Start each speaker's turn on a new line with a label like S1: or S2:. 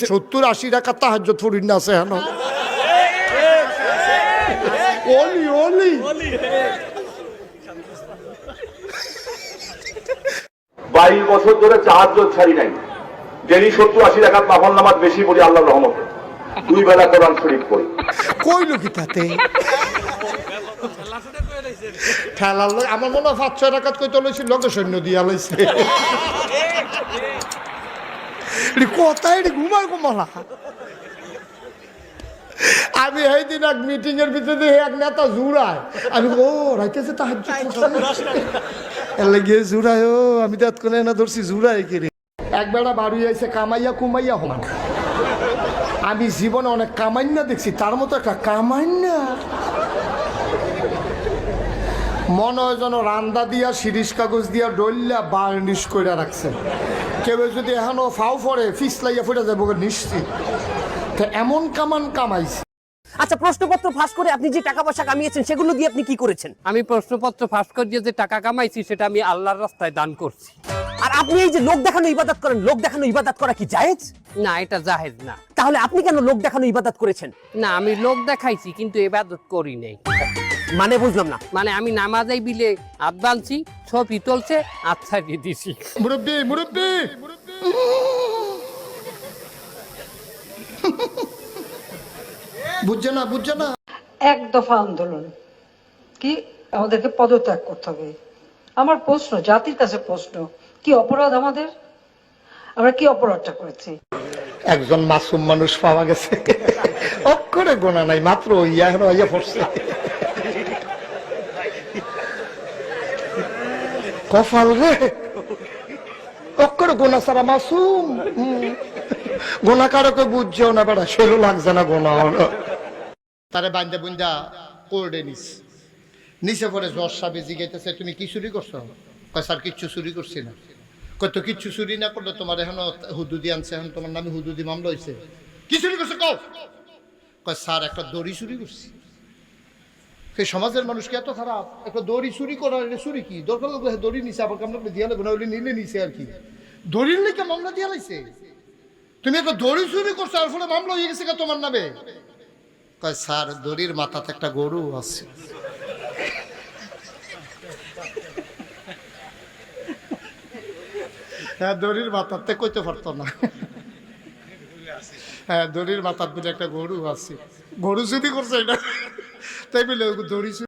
S1: 70-80 টাকা তাহাজ্জুদ পড়ি না আছে হেন ওলি ওলি
S2: 22 বছর ধরে তাহাজ্জুদ ছাড়ি নাই। ডেলি 70-80 রাকাত নফল নামাজ বেশি পড়ি আল্লাহর রহমতে। 2 বেলা কোরআন শরীফ পড়ি।
S1: কইলো কি তাতে ঠেলার লোক আমার মনে হয় 5-6 রাকাত কইতে লইছি লগে সৈন্য দিয়া লইছে কোথায় ঘুমার ঘুমালা। আমি এই দিন এক মিটিং এর ভিতরে এক নেতা জুড়ায়, আমি ও রাইতেছে তাহাজ্জুদ গিয়ে জুড়ায় ও আমি তো এতক্ষণে না ধরছি জুড়ায় কিরে একবেলা বাড়ি আইছে কামাইয়া কুমাইয়া হমান। আমি জীবনে অনেক কামাইন্যা দেখছি, তার মতো একটা কামাইন্যা মনে হয় যেন রান্দা দিয়া শিরিষ কাগজ দিয়া ডললা বার্নিশ করে রাখছে। কেউ যদি এখনো ফাও ফরে ফিসলাইয়া ফুটে যাবো নিশ্চিত। এমন কামান কামাইছে।
S3: আচ্ছা, প্রশ্নপত্র ফাঁস করে আপনি যে টাকা পয়সা কামিয়েছেন সেগুলো দিয়ে আপনি কি করেছেন?
S4: আমি প্রশ্নপত্র ফাঁস করে যে টাকা কামাইছি সেটা আমি আল্লাহর রাস্তায় দান করছি।
S3: আর আপনি এই যে লোক দেখানো ইবাদত করেন, লোক দেখানো ইবাদত করা কি জায়েজ?
S4: না, এটা জায়েজ না।
S3: তাহলে আপনি কেন লোক দেখানো ইবাদত করেছেন?
S4: না, আমি লোক দেখাইছি কিন্তু ইবাদত করি নাই।
S3: মানে বুঝলাম না।
S4: মানে আমি নামাজেই বিলে হাত বানছি, ছবি তুলছে, আচ্ছা দিয়ে দিছি।
S1: মুরব্বি মুরব্বি বুঝছে না বুঝছে না।
S5: এক দফা আন্দোলন কি আমাদেরকে পদত্যাগ করতে হবে। আমার প্রশ্ন, জাতির কাছে প্রশ্ন, কি অপরাধ আমাদের? আমরা কি অপরাধটা করেছি?
S1: একজন মাসুম মানুষ পাওয়া গেছে, অক্ষরে গোনা নাই, মাত্র ইয়া হইয়া পড়ছে। কপাল রে, অক্ষরে গোনা ছাড়া মাসুম। গোনা কারকে বুঝছেও না বেড়া, সেরও লাগছে না গোনা হলো। তারে বান্ধা বুন্দা কোর্ডে নিস নিচে পরে জ্বর সাবে জিগাইতেছে তুমি কি চুরি করছো? কয় স্যার কিচ্ছু চুরি করছি না। কত কিচ্ছু চুরি না করলে তোমার এখন হুদুদি আনছে, এখন তোমার নামে হুদুদি মামলা হয়েছে। কি চুরি করছো কও? কয় স্যার একটা দড়ি চুরি করছি। সেই সমাজের মানুষকে এত খারাপ, একটা দড়ি চুরি করার চুরি কি দরকার লাগবে? দড়ি নিছে আবার কামড়া দিয়া লাগবে না, নিলে নিছে আর কি। দড়ির লেগে মামলা দিয়া লাইছে। তুমি একটা দড়ি চুরি করছো আর ফলে মামলা হয়ে গেছে তোমার নামে। কয় স্যার দড়ির মাথাতে একটা গরু আছে। হ্যাঁ, দড়ির মাথাতে কইতে পারতো না। হ্যাঁ, দড়ির মাথার দিকে একটা গরু আছে। গরু চুরি করছে এটা, তাই বলে দড়ি